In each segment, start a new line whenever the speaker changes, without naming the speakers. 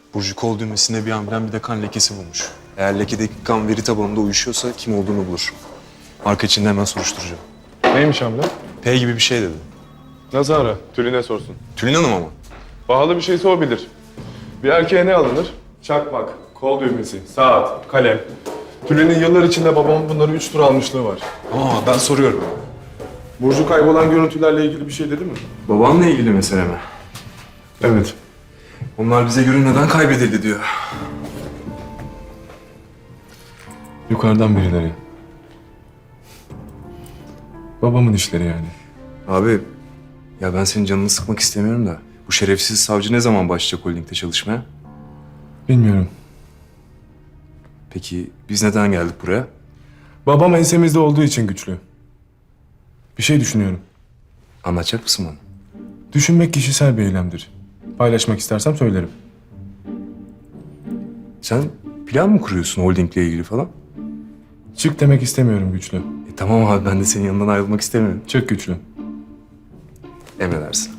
Burcu kol düğmesinde bir amblem bir de kan lekesi bulmuş. Eğer lekedeki kan veri tabanında uyuşuyorsa kim olduğunu bulur. Marka içinde hemen soruşturacağım.
Neymiş hamle?
P gibi bir şey dedi.
Nasıl ara? Tülin'e sorsun.
Tülin Hanım ama.
Pahalı bir şeyse o bilir. Bir erkeğe ne alınır? Çakmak, kol düğmesi, saat, kalem. Tülin'in yıllar içinde babamın bunları 3 tur almışlığı var.
Aa, ben soruyorum.
Burcu kaybolan görüntülerle ilgili bir şey dedi mi?
Babanla ilgili mesele mi?
Evet.
Onlar bize görünmeden kaybedildi diyor.
Yukarıdan birileri. Babamın işleri yani.
Abi, ya ben senin canını sıkmak istemiyorum da bu şerefsiz savcı ne zaman başlayacak holdingde çalışmaya?
Bilmiyorum.
Peki biz neden geldik buraya?
Babam ensemizde olduğu için güçlü. Bir şey düşünüyorum.
Anlatacak mısın bana?
Düşünmek kişisel bir eylemdir. Paylaşmak istersem söylerim.
Sen plan mı kuruyorsun holdingle ilgili falan?
Çık demek istemiyorum güçlü.
Tamam abi, ben de senin yanından ayrılmak istemiyorum.
Çık güçlü.
Emredersin.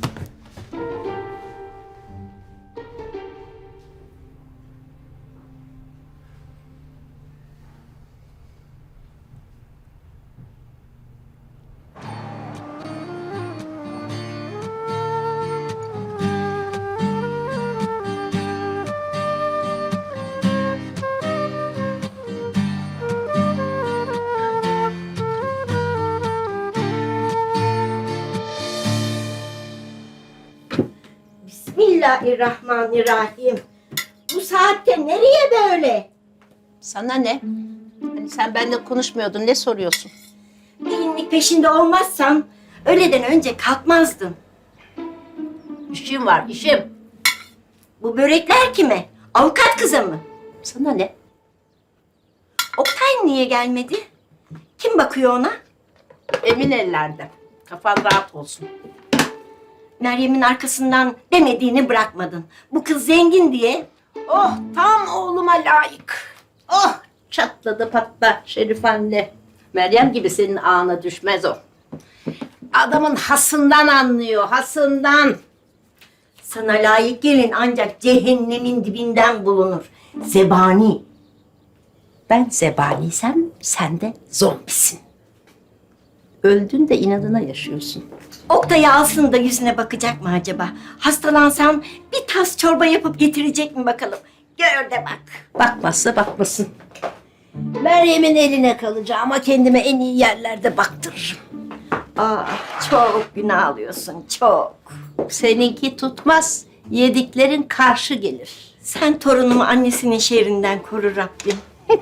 Bismillahirrahmanirrahim. Bu saatte nereye böyle?
Sana ne? Hani sen benimle konuşmuyordun, ne soruyorsun?
Gelinlik peşinde olmazsam öğleden önce kalkmazdım.
İşim var, işim.
Bu börekler kime? Avukat kıza mı?
Sana ne?
Oktay niye gelmedi? Kim bakıyor ona?
Emin ellerde. Kafan rahat olsun.
Meryem'in arkasından demediğini bırakmadın. Bu kız zengin diye.
Oh, tam oğluma layık. Oh, çatladı patla Şerif anne. Meryem gibi senin ağına düşmez o. Adamın hasından anlıyor, hasından.
Sana layık gelin ancak cehennemin dibinden bulunur. Zebani.
Ben zebaniysem sen de zombisin. Öldün de inadına yaşıyorsun.
Oktay'ı alsın da yüzüne bakacak mı acaba? Hastalansam bir tas çorba yapıp getirecek mi bakalım? Gör de bak.
Bakmazsa bakmasın. Meryem'in eline kalacağım ama kendime en iyi yerlerde baktırırım.
Çok günah alıyorsun, çok.
Seninki tutmaz, yediklerin karşı gelir.
Sen torunumu annesinin şerrinden koru Rabbim.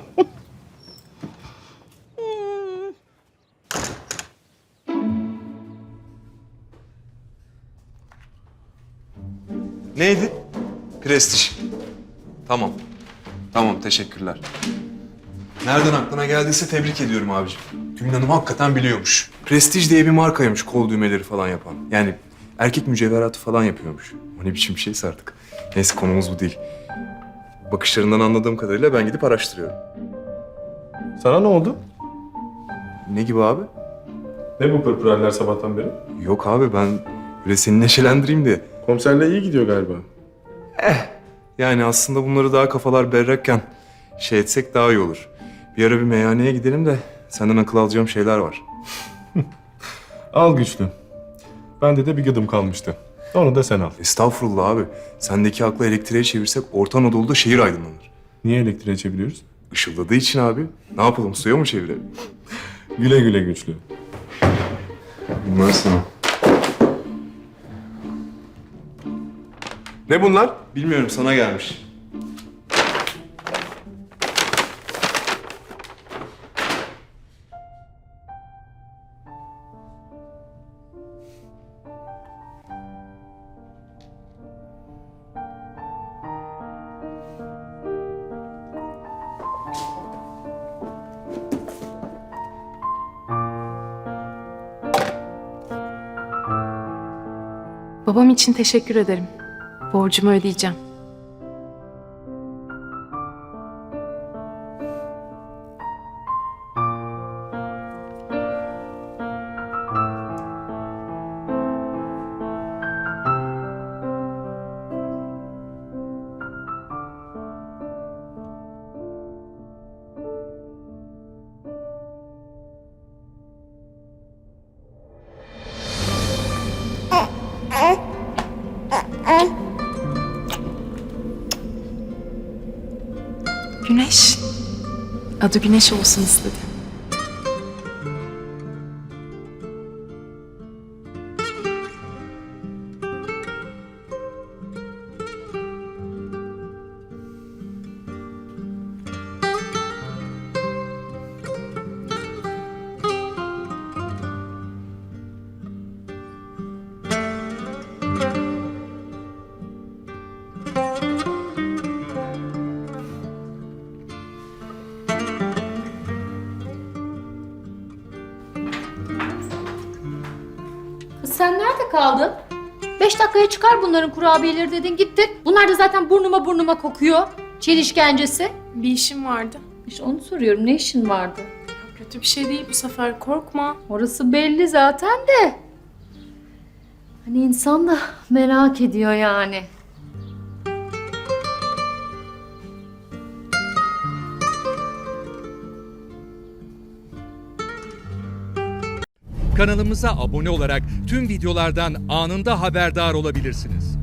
Neydi? Prestij. Tamam. Tamam, teşekkürler. Nereden aklına geldiyse tebrik ediyorum abicim. Gülün Hanım hakikaten biliyormuş. Prestij diye bir markaymış kol düğmeleri falan yapan. Yani erkek mücevheratı falan yapıyormuş. O ne biçim bir şeyse artık. Neyse, konumuz bu değil. Bakışlarından anladığım kadarıyla ben gidip araştırıyorum.
Sana ne oldu?
Ne gibi abi?
Ne bu pırpıraller sabahtan beri?
Yok abi, ben böyle seni neşelendireyim diye.
Komiserle iyi gidiyor galiba.
Yani aslında bunları daha kafalar berrakken şey etsek daha iyi olur. Bir ara bir meyhaneye gidelim de senden akıl alacağım şeyler var.
Al güçlü. Bende de bir gıdım kalmıştı. Onu da sen al.
Estağfurullah abi. Sendeki aklı elektriğe çevirsek Orta Anadolu'da şehir aydınlanır.
Niye elektriğe çeviriyoruz?
Işıldadığı için abi. Ne yapalım, suya mı çevirelim?
Güle güle güçlü.
Bunlar sana.
Ne bunlar?
Bilmiyorum, sana gelmiş.
Babam için teşekkür ederim. Borcumu ödeyeceğim. Güneş. Adı Güneş olsun istedi.
Kız sen nerede kaldın? 5 dakikaya çıkar bunların kurabiyeleri dedin gittin. Bunlar da zaten burnuma kokuyor. Çin işkencesi.
Bir işim vardı.
İşte onu soruyorum, ne işin vardı?
Kötü bir şey değil bu sefer, korkma.
Orası belli zaten de. Hani insan da merak ediyor yani.
Kanalımıza abone olarak tüm videolardan anında haberdar olabilirsiniz.